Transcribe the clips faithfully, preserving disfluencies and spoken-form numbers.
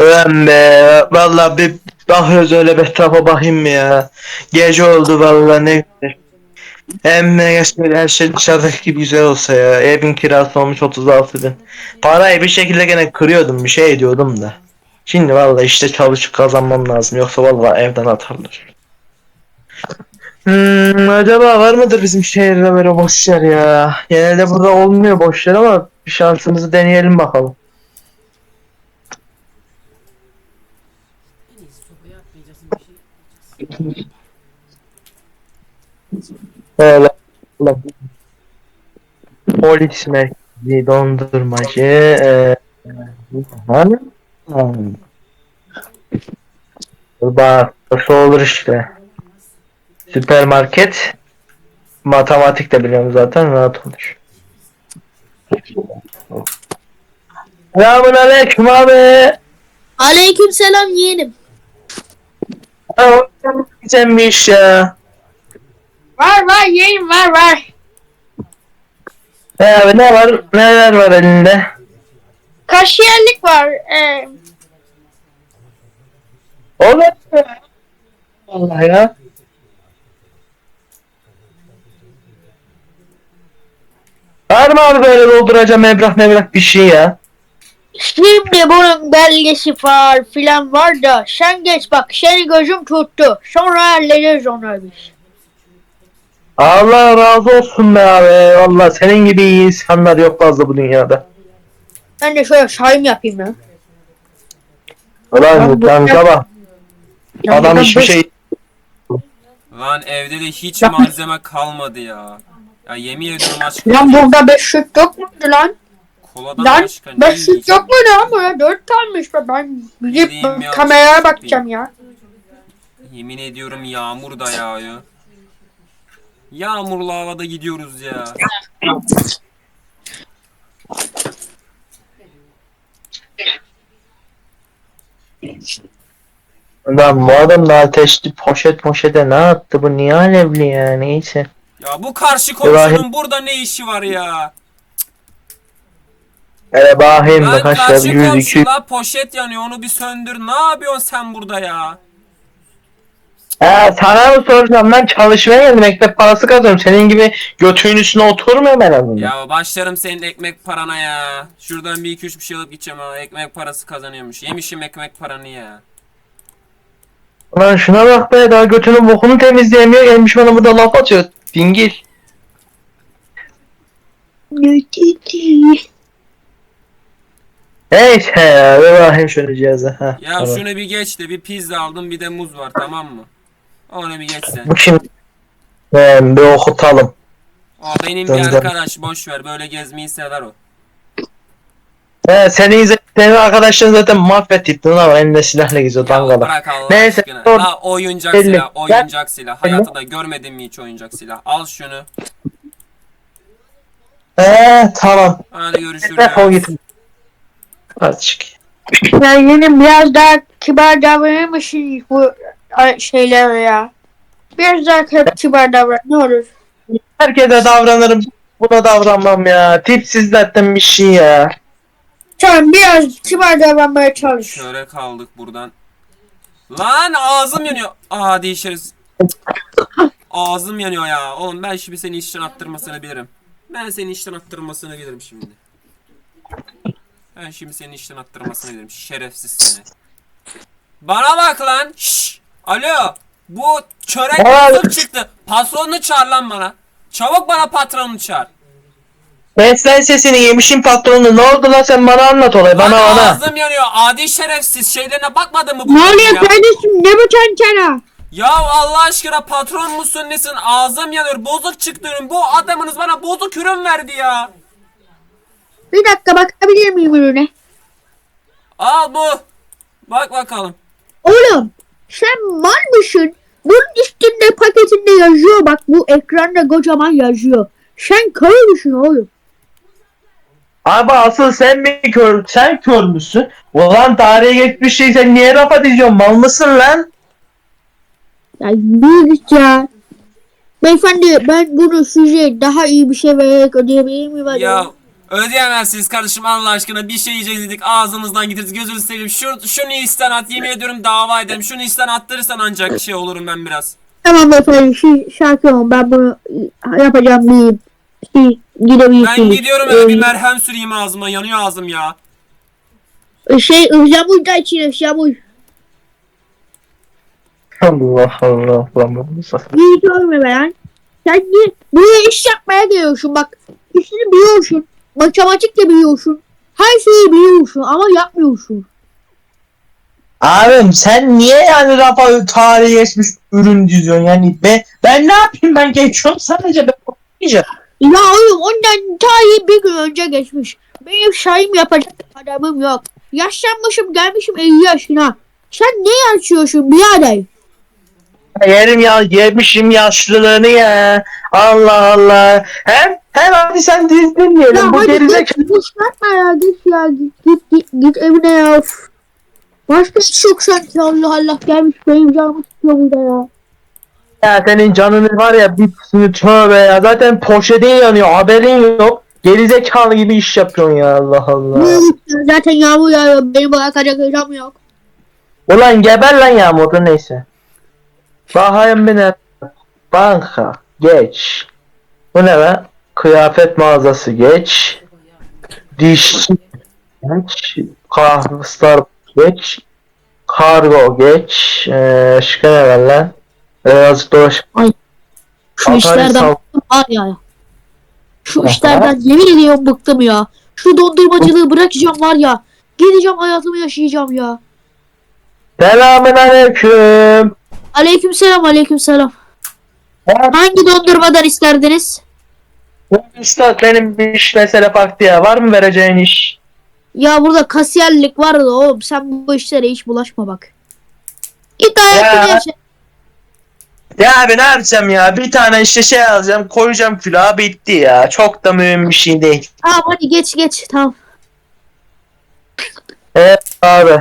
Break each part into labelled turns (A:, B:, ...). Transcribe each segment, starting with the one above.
A: Ulan be, vallahi bir bakıyoruz öyle bir etrafa bakayım mı ya? Gece oldu vallahi ne güzel. Hem ne şöyle her şey dışarıdaki gibi güzel olsa ya. Evin kirası olmuş otuz altı bin. Parayı bir şekilde gene kırıyordum, bir şey ediyordum da. Şimdi vallahi işte çalışıp kazanmam lazım, yoksa vallahi evden atarlar. Hmm, acaba var mıdır bizim şehirde böyle boş yer ya? Genelde burada olmuyor boş yer ama bir şansımızı deneyelim bakalım.
B: En iyisi sobayı atmayacaksın, bir şey yapmayacaksın.
A: Öyle. Ulan, polis merkezi, dondurmacı, eee hani? Hmm. Bak, nasıl olur işte. Süpermarket, matematik de biliyorum zaten, rahat olur. Selamun aleyküm abi.
C: Aleykümselam yeğenim.
A: Ha, sen bir iş ya.
C: Var var yeğenim var var.
A: He abi, ne var, neler var elinde?
C: Kaşiyerlik var. Ee,
A: Olur mu? Vallahi ya. Var mı abi böyle dolduracağım evrak mevrak bir şey ya?
C: şimdi bunun belgesi var filan var da sen geç bak seni gözüm tuttu. Sonra hallederiz onu biz.
A: Allah razı olsun be abi. Vallahi senin gibi iyi insanlar yok fazla bu dünyada.
C: Ben de şöyle sayım yapayım ya.
A: Ulan
C: bu-
A: kanka bak.
C: Ya
A: Adam
C: buradan
A: hiçbir
C: beş-
A: şey...
B: Lan evde de hiç
C: Ya-
B: malzeme kalmadı ya. Ya yemin ediyorum aşk
C: Lan
B: olsun.
C: burada beş süt yok muydu lan?
B: Koladan
C: Lan
B: başka ne
C: beş süt
B: yiyeceğim?
C: yok muydu lan burada? Dört kalmış be ben gidip
B: Gideyim ya,
C: kameraya
B: süt
C: bakacağım ya.
B: Yemin ediyorum yağmur da yağıyor. Yağmurlu havada gidiyoruz ya.
A: Lan bu adam da ateşli poşet poşete ne yaptı, bu niye alevli ya, neyse.
B: Ya bu karşı komşunun burada ne işi var ya?
A: Hele bakayım da
B: Lan
A: kaç
B: karşı
A: yüz iki yüz.
B: komşula poşet yanıyor, onu bir söndür. Ne yapıyorsun sen burada ya?
A: Ha, sana mı soracağım, ben çalışmaya geldim, ekmek parası kazanıyorum, senin gibi götünün üstüne oturmuyorum en azından.
B: Ya başlarım senin ekmek parana ya. Şuradan bir iki üç bir şey alıp gideceğim ha. Ekmek parası kazanıyormuş. Yemişim ekmek paranı ya.
A: Lan şuna bak be, daha götünün bokunu temizleyemiyor, gelmiş bana burada laf atıyor. Dingil. Neyse ya, bir bakayım şöyle cihaza. Ha,
B: Ya
A: tamam.
B: şunu bir geç de bir pizza aldım, bir de muz var, tamam mı? Onu bir geç sen.
A: Bu kim? Ben bir okutalım.
B: O benim
A: Dön,
B: bir
A: dön.
B: arkadaş, boş ver, böyle gezmeyi sever o.
A: He, senin, izle- senin arkadaşların zaten mahvettik lan, ama elinde silahla geziyor
B: Ya
A: dangala.
B: bırak Allah
A: Neyse,
B: aşkına.
A: sor.
B: La oyuncak
A: Elli.
B: silah, oyuncak silah.
A: Elli.
B: Hayatında görmedin mi hiç oyuncak silah? Al şunu.
A: He tamam.
B: Hadi görüşürüz.
A: Defol git. Hadi çık.
C: Ya yeğenim biraz daha kibar davranır mısın bu şeyler ya? Biraz daha kibar davran ne olur.
A: Herkese davranırım. Buna davranmam ya. Tipsiz zaten bir şey ya.
C: Tamam biraz kibar davranmaya çalış.
B: Şöyle kaldık buradan. Lan ağzım yanıyor. Aa değişiriz. Ağzım yanıyor ya. Oğlum ben şimdi seni işten attırmasını bilirim. Ben seni işten attırmasını bilirim şimdi. Ben şimdi seni işten attırmasını bilirim. Şerefsiz seni. Bana bak lan. Şşş. Alo. Bu çörek
A: Aa.
B: bozuk çıktı. Patronunu çağır lan bana. Çabuk bana patronunu çağır.
A: Beslen sesini, yemişin patronu. Ne oldu lan, sen bana anlat olayı.
B: Lan
A: Bana ona.
B: ağzım yanıyor. Adi şerefsiz. Şeylerine bakmadın mı bu
C: Ne
B: kadın
C: oluyor
B: ya?
C: kardeşim ne bu tantana?
B: Ya Allah aşkına patron musun nesin? Ağzım yanıyor. Bozuk çıktı ürün. Bu adamınız bana bozuk ürün verdi ya.
C: Bir dakika bakabilir miyim ürüne?
B: Al bu. Bak bakalım.
C: Oğlum sen mal mısın? Bunun üstünde paketinde yazıyor bak bu ekranda kocaman yazıyor. Sen kör müsün oğlum?
A: Abi asıl sen mi kör, sen kör müsün? Ulan tarihe geçmiş şey, sen niye rafa diyorsun, mal mısın lan?
C: Ya büyük ya. Beyefendi ben bunu size daha iyi bir şey vererek ödeyebilir miyim acaba?
B: Ya Ödeyemezsiniz kardeşim Allah aşkına, bir şey yiyeceğiz dedik ağzımızdan getirdik, gözünü seveyim. Şu, şunu isten at, yemin ediyorum dava ederim. Şunu isten attırırsan ancak şey olurum ben biraz.
C: Tamam efendim şey, şarkı olun ben bunu yapacağım bir şey gidebilirsiniz.
B: Ben gidiyorum eve bir merhem süreyim ağzıma, yanıyor ağzım ya.
C: Ee, şey ıhlamur da içine ıhlamur.
A: Allah Allah. Lan bu nasıl?
C: İyi görme be lan. Sen niye buraya iş yapmaya geliyorsun bak. İşini biliyorsun. Matematik de biliyorsun. Her şeyi biliyorsun ama yapmıyorsun.
A: Abim sen niye yani rafa tarihi geçmiş ürün diziyorsun yani ben, ben ne yapayım ben geçiyorum sadece ben okuyacağım.
C: Ya oğlum ondan tarihi bir gün önce geçmiş. Benim şahim yapacak adamım yok. Yaşlanmışım gelmişim elli yaşına. Sen ne yaşıyorsun birader?
A: Yerim ya yemişim yaşlılığını ya. Allah Allah. Hem hem hadi sen dizdin
C: Ya
A: diyelim bu
C: hadi
A: gerizekalı.
C: git, git yapma ya git ya git git git, git evine ya. Üf. Başka hiç yok sanki Allah Allah gelmiş benim canımı sıkıyor burada ya.
A: Ya senin canını var ya bir sürü tövbe ya zaten poşetin yanıyor haberin yok. Gerizekalı gibi iş yapıyorsun ya Allah Allah.
C: Zaten yağmur yağıyor benim bırakacak hocam yok.
A: Ulan geber lan yağmurda neyse. Bakayım bir ne? Banka geç. Bu ne be? Kıyafet mağazası geç. Dişçi geç. Kahve geç. Kargo geç. Ee, şıkı ne var lan? Birazcık dolaş.
C: Şu
A: Atari
C: işlerden
A: sal-
C: bıktım var ya. Şu
A: Aha.
C: işlerden yemin ediyorum bıktım ya. Şu dondurmacılığı bırakacağım var ya. Gideceğim hayatımı yaşayacağım ya.
A: Selamun aleyküm.
C: Aleykümselam aleykümselam.
A: Ya,
C: Hangi dondurmadan isterdiniz?
A: Usta benim bir iş mesele farklı ya. Var mı vereceğin iş?
C: Ya burada kasiyerlik var da oğlum sen bu işlere hiç bulaşma bak. Git hayatını
A: Ya.
C: yaşa.
A: Ya abi ne yapacağım ya? Bir tane işte şey alacağım, koyacağım külaha bitti ya. Çok da mühim bir şey değil.
C: Tamam hadi geç geç tamam.
A: Evet abi.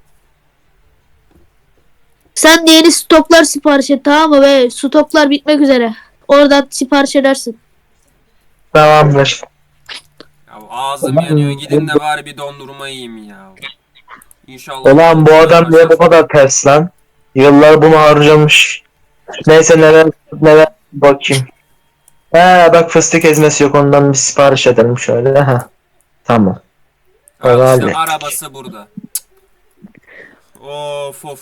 C: Sen de yeni stoklar sipariş et tamam mı? Ve stoklar bitmek üzere. Oradan sipariş edersin.
A: Tamamdır.
B: Ya ağzım yanıyor, gidin de bari bir dondurma yiyeyim ya. İnşallah.
A: Ulan bu adam niye bu kadar ters lan? Yıllar bunu harcamış. Neyse neler neler bakayım. He bak fıstık ezmesi yok ondan bir sipariş edelim şöyle. Ha. Tamam.
B: Al işte
A: Abi.
B: arabası burada. Of of.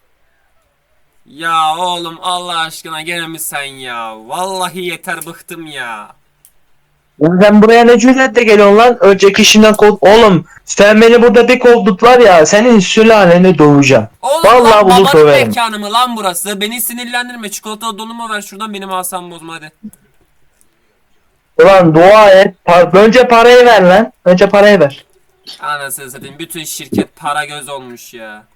B: Ya oğlum Allah aşkına gene mi sen ya? Vallahi yeter, bıktım ya.
A: Oğlum sen buraya ne cüretle geliyorsun lan? Önceki işinden kov... Oğlum sen beni burada bir kovdutlar ya. Senin sülaleni döveceğim.
B: Oğlum
A: Vallahi
B: lan
A: bunu
B: babanın
A: söverim.
B: mekanı mı lan burası? Beni sinirlendirme. Çikolata dolumu ver şuradan, benim asam bozma hadi.
A: Ulan dua et. Par- Önce parayı ver lan. Önce parayı ver.
B: Anasını satayım, bütün şirket para göz olmuş ya.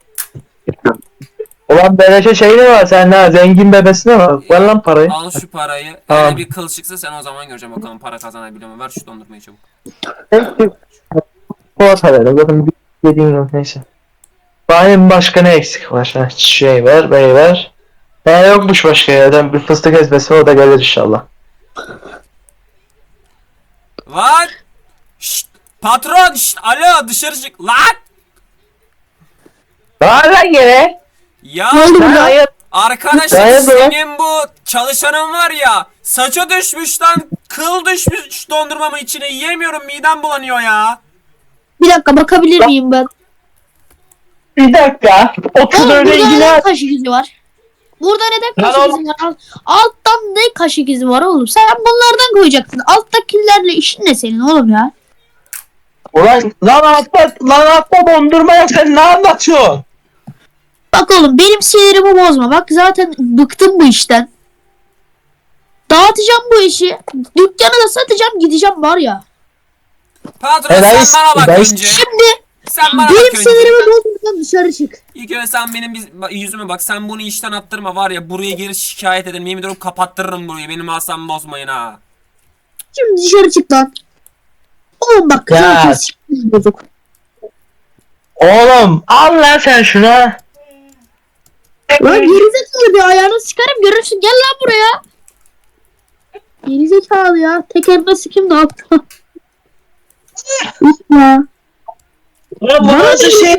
A: Ulan beleşe şey ne var? Sen ne zengin bebesine bak. Ver lan parayı.
B: Al şu parayı.
A: Tamam.
B: Eğer bir kıl çıksa sen o zaman göreceğim bakalım para kazanabiliyor mu? Ver şu dondurmayı çabuk.
A: Poğaça ver. Zaten bir dediğin yok neyse. Benim başka ne eksik var? Ha, şey ver, bey ver. Ne yokmuş başka yerden bir fıstık ezmesi o da gelir inşallah.
B: Lan! Şşt! Patron! Şşt! Alo dışarı çık! Lan!
A: Daha lan gene.
B: Ya
C: Ne oldu
A: Ben
C: burada?
A: hayır.
B: arkadaşım
A: Hayırdır lan?
B: senin bu çalışanın var ya, saça düşmüş lan, kıl düşmüş dondurmamın içine, yiyemiyorum, midem bulanıyor ya.
C: Bir dakika bakabilir miyim ben?
A: Bir dakika. Otur
C: Oğlum
A: öyle
C: burada
A: ilgili.
C: neden kaşık izi var? Burada neden
A: Lan
C: kaşık
A: oğlum.
C: izi var? Alt- Alttan ne kaşık izi var oğlum? Sen bunlardan koyacaksın. Alttakilerle işin ne senin oğlum ya?
A: Ulan lan atla lan atla dondurma ya sen ne anlatıyorsun?
C: Bak oğlum benim sinirimi bozma. Bak zaten bıktım bu işten. Dağıtacağım bu işi. Dükkanı da satacağım gideceğim var ya.
B: Patron
A: Helal
B: sen bana bak
A: helal-
B: önce.
C: Şimdi
B: Sen bana
C: benim
B: bak önce.
C: sinirimi bozmadan dışarı çık.
B: İlk önce sen benim biz- bak, yüzüme bak, sen bunu işten attırma var ya, buraya geri şikayet ederim, yemin ediyorum kapattırırım burayı, benim asabımı bozmayın ha.
C: Şimdi dışarı çık lan. Oğlum bak
A: Ya.
C: zaten sinirimi bozuk.
A: Oğlum al lan sen şuna.
C: Lan gerizekalı bir ayağını sıkarım görürsün gel lan buraya. Gerizekalı ya. Tekerine sikim ne yaptı? Ya.
A: Ulan bu nasıl şey?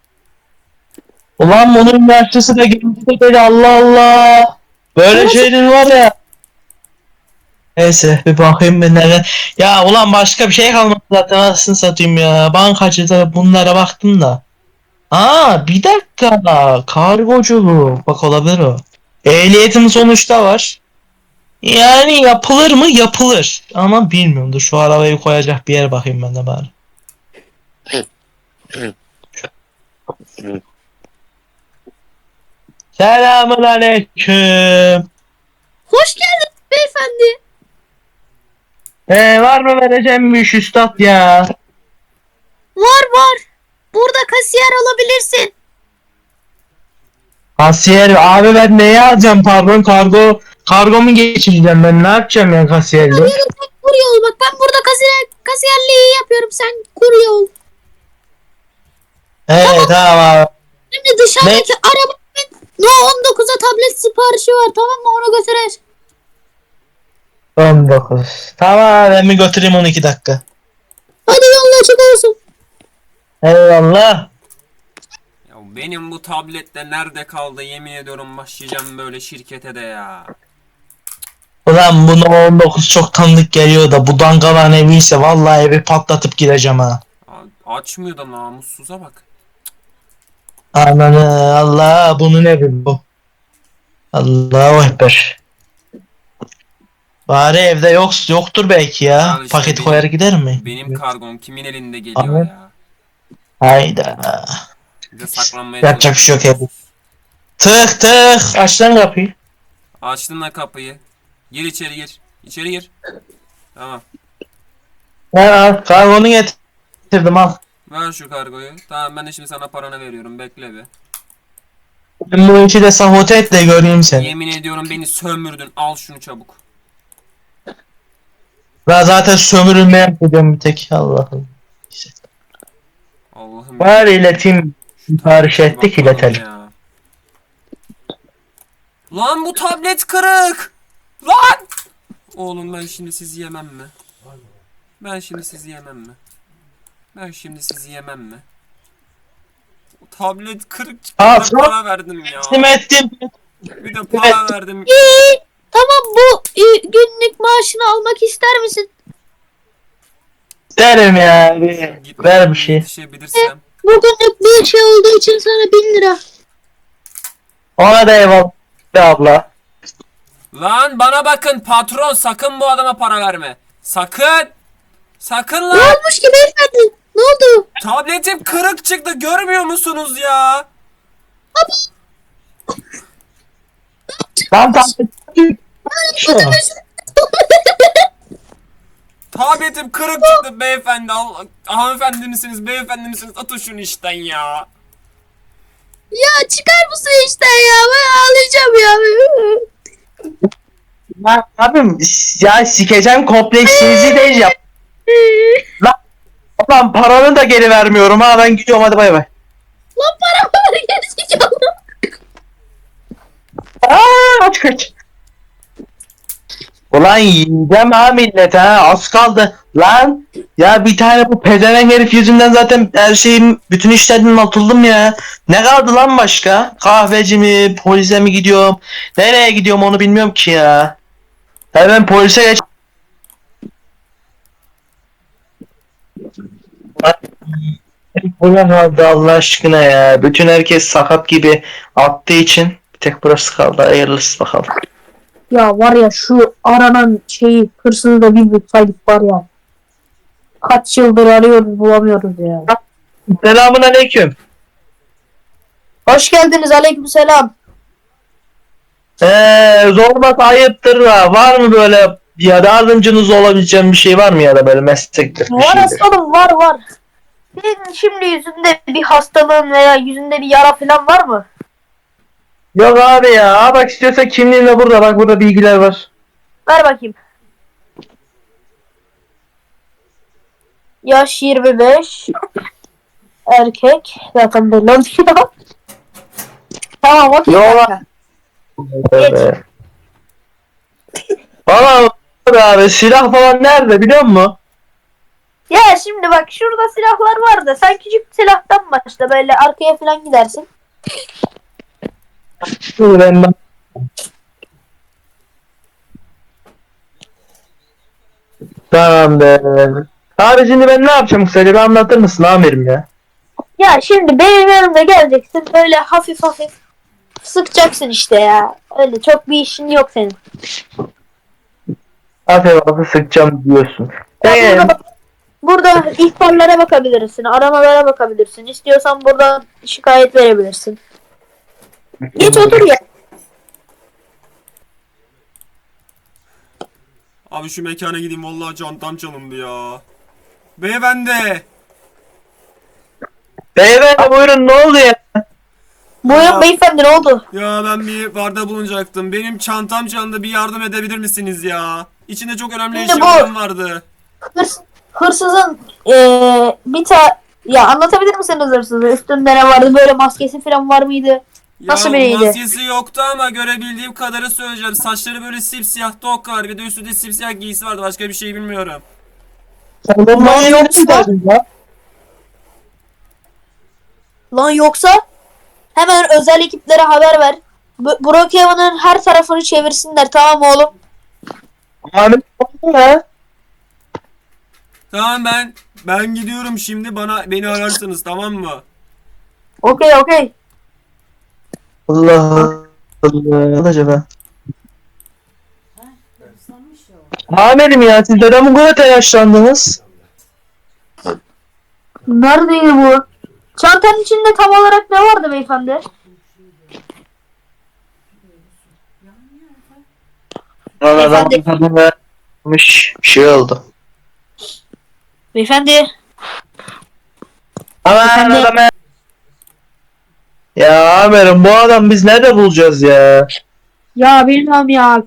A: Ulan bunun yaşlısı da gençsi dedi, Allah Allah. Böyle şeyler var ya. Neyse bir bakayım ben nerede. Ya ulan başka bir şey kalmadı zaten, anasını satayım ya. Bankacıda bunlara baktım da. Aa bir dakika. Kargoculuk. Bak olabilir o. Ehliyetim sonuçta var. Yani yapılır mı? Yapılır. Ama bilmiyorum. Dur şu arabayı koyacak bir yer bakayım ben de bari. Selamun aleyküm.
C: Hoş geldin beyefendi.
A: Ee, var mı vereceğim bir iş üstad ya?
C: Var var. Burada kasiyer olabilirsin.
A: Kasiyer abi, ben neyi alacağım, pardon, kargo kargo mu geçireceğim, ben ne yapacağım ya kasiyerliği?
C: Sen kurye ol. Bak ben burada kasiyer, kasiyerliği yapıyorum. Sen kurye ol.
A: Evet tamam abi.
C: Şimdi dışarıdaki arabanın No on dokuza tablet siparişi var, tamam mı? Onu götürür.
A: on dokuz. Tamam ben mi götüreyim on iki dakika.
C: Hadi yolun açık olsun.
A: Eyvallah.
B: Ya benim bu tablette nerede kaldı, yemin ediyorum başlayacağım böyle şirkete de ya.
A: Ulan bunu on dokuz çok tanıdık geliyor da bu dangalan eviyse vallahi evi patlatıp gideceğim ha.
B: A- Açmıyor da namussuza bak.
A: Ananı Allah, bunu ne bileyim bu. Allahu Ekber. Bari evde yok yoktur belki ya.
B: Ya işte
A: Paket
B: benim-
A: koyar gider mi?
B: Benim kargom kimin elinde geliyor
A: Abi.
B: ya.
A: Hayda.
B: Bir de saklanmaya
A: Yapacak bir şey yok
B: çalışıyoruz.
A: Tık tık. Aç lan kapıyı.
B: Açtın da kapıyı. Gir içeri gir. İçeri gir. Tamam.
A: Ben al. Kargonu getirdim al.
B: Ver şu kargoyu. Tamam ben de şimdi sana paranı veriyorum. Bekle bir.
A: Ben bu işi de sabote et de göreyim seni.
B: Yemin ediyorum beni sömürdün. Al şunu çabuk.
A: Ben zaten sömürülmeye gidiyorum bir tek. Allah'ım.
B: Allah'ım.
A: Bari ileteyim. Sipariş ettik,
B: Bakalım
A: iletelim.
B: ya. Lan bu tablet kırık. Lan. Oğlum ben şimdi sizi yemem mi? Ben şimdi sizi yemem mi? Ben şimdi sizi yemem mi? O tablet kırık çıktı.
A: Aa,
B: Bir de
A: çok-
B: para verdim ya.
A: Teslim ettim.
B: Bir de para verdim.
C: İyi. Tamam, bu e, günlük maaşını almak ister misin?
A: Derim ya. Bir,
B: Git
A: ver bir şey.
B: yetişebilirsem.
C: Bugünlük bir şey olduğu için sana bin lira.
A: Ona da eyvallah be abla.
B: Lan bana bakın patron, sakın bu adama para verme. Sakın. Sakın
C: Ne
B: lan.
C: olmuş ki beyefendi? Ne oldu?
B: Tabletim kırık çıktı, görmüyor musunuz ya?
A: Lan tamam. Şu.
B: Tabletim kırık çıktı beyefendi. Allah, hanımefendi misiniz, beyefendi misiniz? Atın şunu işten ya.
C: Ya çıkar mısın işte ya? Ben ağlayacağım ya.
A: Lan abim ya sikeceğim kompleksinizi de yap. Lan, lan paranı da geri vermiyorum ha, ben gidiyorum, hadi bay bay.
C: Lan paramı ver, gerizekalı.
A: Aa, aç kaç. Ulan yiyeceğim ha millet ha, az kaldı. Lan ya bir tane bu pezevenk herif yüzünden zaten her şeyim, bütün işlerden atıldım ya. Ne kaldı lan başka? Kahveci mi, polise mi gidiyorum? Nereye gidiyorum onu bilmiyorum ki ya. Hemen polise geç. Buna kaldı Allah aşkına ya. Bütün herkes sakat gibi attığı için bir tek burası kaldı. Hayırlısı bakalım.
C: Ya var ya, şu aranan şeyi, hırsızı da bir bulsaydık var ya. Kaç yıldır arıyoruz, bulamıyoruz ya.
A: Selamun aleyküm.
C: Hoş geldiniz, aleykümselam.
A: Eee zorba ayıptır da, var mı böyle ya, yardımcınız olabileceğim bir şey var mı ya da böyle meslektir bir
C: Var
A: şeydir.
C: aslanım, var var. Senin şimdi yüzünde bir hastalığın veya yüzünde bir yara falan var mı?
A: Yok abi ya, Aa, bak istiyorsan kimliğin de burada, bak burada bilgiler var.
C: Ver bakayım. Yaş yirmi beş. Erkek. Zaten belli oluyor. Tamam, okey.
A: Yok
C: kanka.
A: Tövbe. Valla abi silah falan nerede biliyor musun?
C: Ya şimdi bak şurada silahlar var da sen küçük silahtan başla böyle arkaya falan gidersin.
A: Dur ben bak. Tamam be. Abi şimdi ben ne yapacağım kısaca bir anlatır mısın amirim ya?
C: Ya şimdi benim yanımda geleceksin böyle hafif hafif sıkacaksın işte ya. Öyle çok bir işin yok senin.
A: Aferin abi sıkacağım diyorsun.
C: Ya
A: Ee,
C: burada, bak- burada ihbarlara bakabilirsin, aramalara bakabilirsin. İstiyorsan buradan şikayet verebilirsin. Geç otur ya.
B: Abi şu mekana gideyim vallahi çantam çalındı ya. Beyefendi.
A: Beyefendi buyurun ne oldu ya?
C: Buyurun beyefendi ne oldu?
B: Ya ben bir barda bulunacaktım. Benim çantam çalındı, bir yardım edebilir misiniz ya? İçinde çok önemli
C: Şimdi bu-
B: eşyalarım vardı.
C: Hırs, hırsızın eee bir ta ya anlatabilir misiniz hırsızı? Üstünde ne vardı? Böyle maskesi falan var mıydı? Nasıl
B: Ya
C: biriydi?
B: maskesi yoktu ama görebildiğim kadarı söyleyeceğim. Saçları böyle simsiyah tok var. Bir de üstünde simsiyah giysi vardı. Başka bir şey bilmiyorum.
A: Sen de manyağı
C: yoksa-
A: çıkardın ya.
C: Lan yoksa hemen özel ekiplere haber ver. Bu- Brookhaven'ın her tarafını çevirsinler tamam mı oğlum?
A: Amirim ne oldu ya?
B: Tamam ben ben gidiyorum şimdi, bana beni ararsınız tamam mı?
C: Okey okey.
A: Allah Allah. Acaba? Amirim ya siz neden bu kadar telaşlandınız?
C: Neredeydi bu? Çantanın içinde tam olarak ne vardı beyefendi?
A: Valla
C: Beyefendi.
A: ben tadını vermiş bir şey oldu.
C: Beyefendi.
A: Aman
C: Efendim?
A: adam. Ya amirim bu adam biz nerede bulacağız ya?
C: Ya bilmem ya.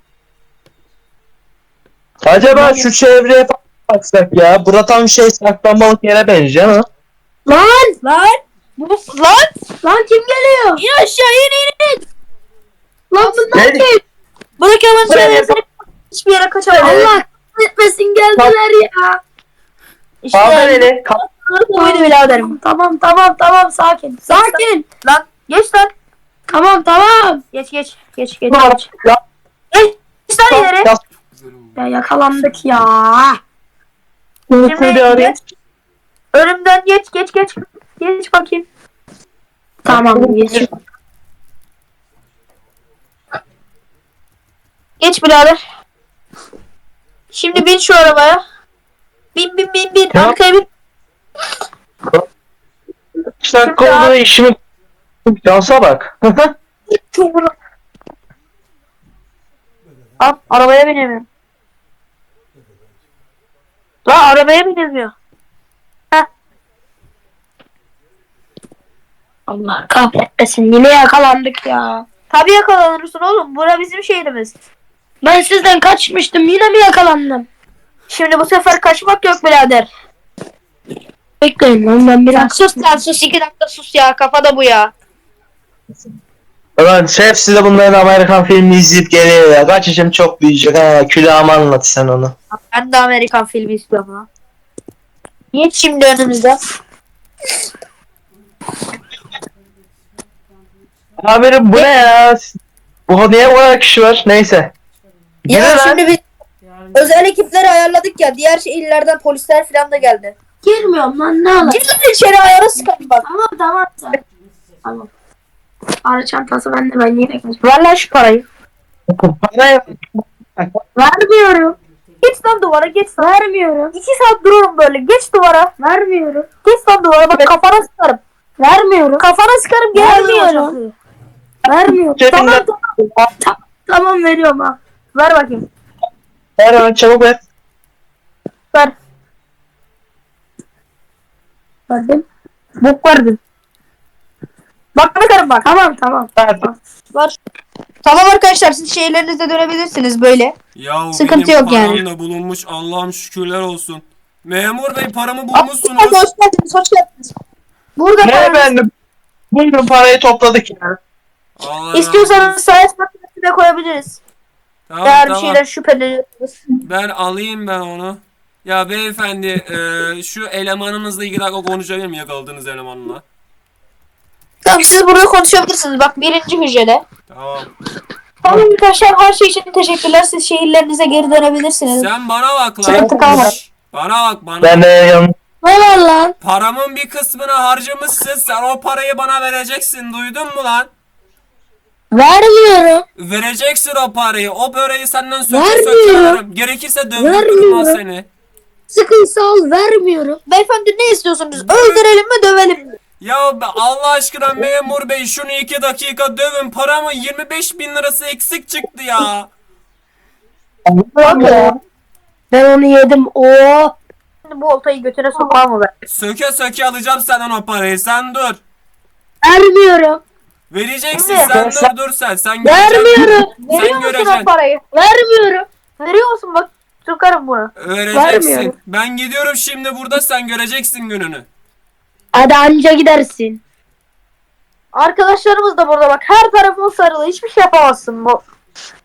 A: Acaba şu çevreye baksak ya. Bura tam şey saklanmalık yere benziyor ama.
C: Lan! Lan! Bu, lan! Lan kim geliyor? İn aşağı in in in! Lan bunlar
A: Ne?
C: kim? Bırak hemen
A: Buraya
C: çevirsene. Hiçbir yere kaçamaz. Allah etmesin geldiler ya. İşte
A: Kaldır eli. Kaldır.
C: buydu biraderim. Tamam tamam tamam sakin. Sakin. Lan geç lan. Tamam tamam. Geç geç geç geç. geç.
A: Ya,
C: Geç lan ileri.
A: ya,
C: Ya yakalandık ya.
A: Şimdi
C: Şimdi
A: bir araya.
C: geç. Önümden geç geç geç. Geç bakayım. Tamam geç. Geç birader. Şimdi bin şu arabaya. Bin bin bin bin.
A: Ya.
C: Arkaya bin.
A: İki dakika oldu işimi. Dansa bak.
C: Çubuğunu. Al arabaya binemiyorum. La arabaya binemiyor. Heh. Allah kahretmesin yine yakalandık ya. Tabii yakalanırsın oğlum. Bura bizim şehrimiz. Ben sizden kaçmıştım. Yine mi yakalandım? Şimdi bu sefer kaçmak yok birader. Bekleyin lan ben biraz. Sus lan sus. iki dakika sus ya. Kafada bu ya.
A: Ulan şef size bunların Amerikan filmini izleyip geliyor ya. Kaç yaşım çok büyüyecek ha. Külahımı anlat sen onu.
C: Ben de Amerikan filmi istiyorum ha. Geç şimdi önümüze.
A: Amirim bu ne ya? Bu niye bu kadar kişi var? Neyse.
C: Ya
A: Yürü lan.
C: şimdi biz özel ekipleri ayarladık ya. Diğer illerden polisler falan da geldi.
D: Girmiyorum lan ne alaka?
C: Gir lan içeri ayara sıkalım bak.
D: Tamam tamam sen. Tamam. Ara çantası bende ben yine kaçıyorum.
C: Ver lan şu parayı.
A: Bana-
D: Vermiyorum.
C: Geç lan duvara geç.
D: Vermiyorum.
C: İki saat dururum böyle. Geç duvara.
D: Vermiyorum.
C: Geç lan duvara bak kafana sıkarım.
D: Vermiyorum.
C: Kafana sıkarım gel.
D: Vermiyorum. Vermiyorum.
A: Cebinden-
C: Tamam tamam.
D: Tamam veriyorum ha.
C: Ver bakayım.
A: Ver hemen çabuk ver.
C: Ver.
D: Verdim.
C: Bok verdin. Bak bakarım bak.
D: Tamam tamam.
A: Ver.
C: Var. Tamam arkadaşlar siz şehirlerinize dönebilirsiniz böyle.
B: Ya
C: Sıkıntı
B: benim
C: yok
B: param
C: yani.
B: da bulunmuş. Allah'ım şükürler olsun. Memur bey paramı
C: Hoş
B: bulmuşsunuz.
C: geldiniz, hoş geldiniz, hoş geldiniz. Burada
A: Ne
C: paranız-
A: efendim? Buyurun parayı topladık ya.
B: Allah razı
C: İstiyorsanız
B: olsun.
C: sayes makinesine koyabiliriz.
B: Tamam,
C: Eğer bir
B: tamam.
C: şeyden şüpheleniyorsanız.
B: Ben alayım ben onu. Ya beyefendi e, şu elemanımızla ilgili dakika konuşabilir miyim yakaladığınız elemanla?
C: Tamam siz burada konuşabilirsiniz. Bak birinci hücrede.
B: Tamam.
C: Tamam arkadaşlar her şey için teşekkürler. Siz şehirlerinize geri dönebilirsiniz.
B: Sen bana bak lan.
C: Sıkıntı kalmadı.
B: Şşş, bana bak bana.
A: Ben de yanlış.
C: Ne var lan?
B: Paramın bir kısmını harcamışsın. Sen o parayı bana vereceksin. Duydun mu lan?
C: Vermiyorum.
B: Vereceksin o parayı. O böreği senden söke
C: Vermiyorum.
B: söke alırım. Gerekirse dövdürürüm
C: Vermiyorum.
B: seni.
C: Sıkıysa al vermiyorum. Beyefendi ne istiyorsunuz? Öldürelim mi dövelim mi?
B: Ya be- Allah aşkına memur bey şunu iki dakika dövün. Paramın yirmi beş bin lirası eksik çıktı ya.
C: Bak ya. Ben onu yedim. Oo. Şimdi bu oltayı götüne sokar mı ben?
B: Söke söke alacağım senden o parayı. Sen dur.
C: Vermiyorum.
B: Vereceksin
C: Ne?
B: sen dur dur sen. Sen göreceksin.
C: Vermiyorum.
B: Sen
C: Veriyor musun
B: göreceksin.
C: o parayı? Vermiyorum. Veriyor musun bak? Sokarım bunu.
B: Vereceksin.
C: Vermiyorum.
B: Ben gidiyorum şimdi burada sen göreceksin gününü.
C: Hadi anca gidersin. Arkadaşlarımız da burada bak. Her tarafın sarılı. Hiçbir şey yapamazsın bu.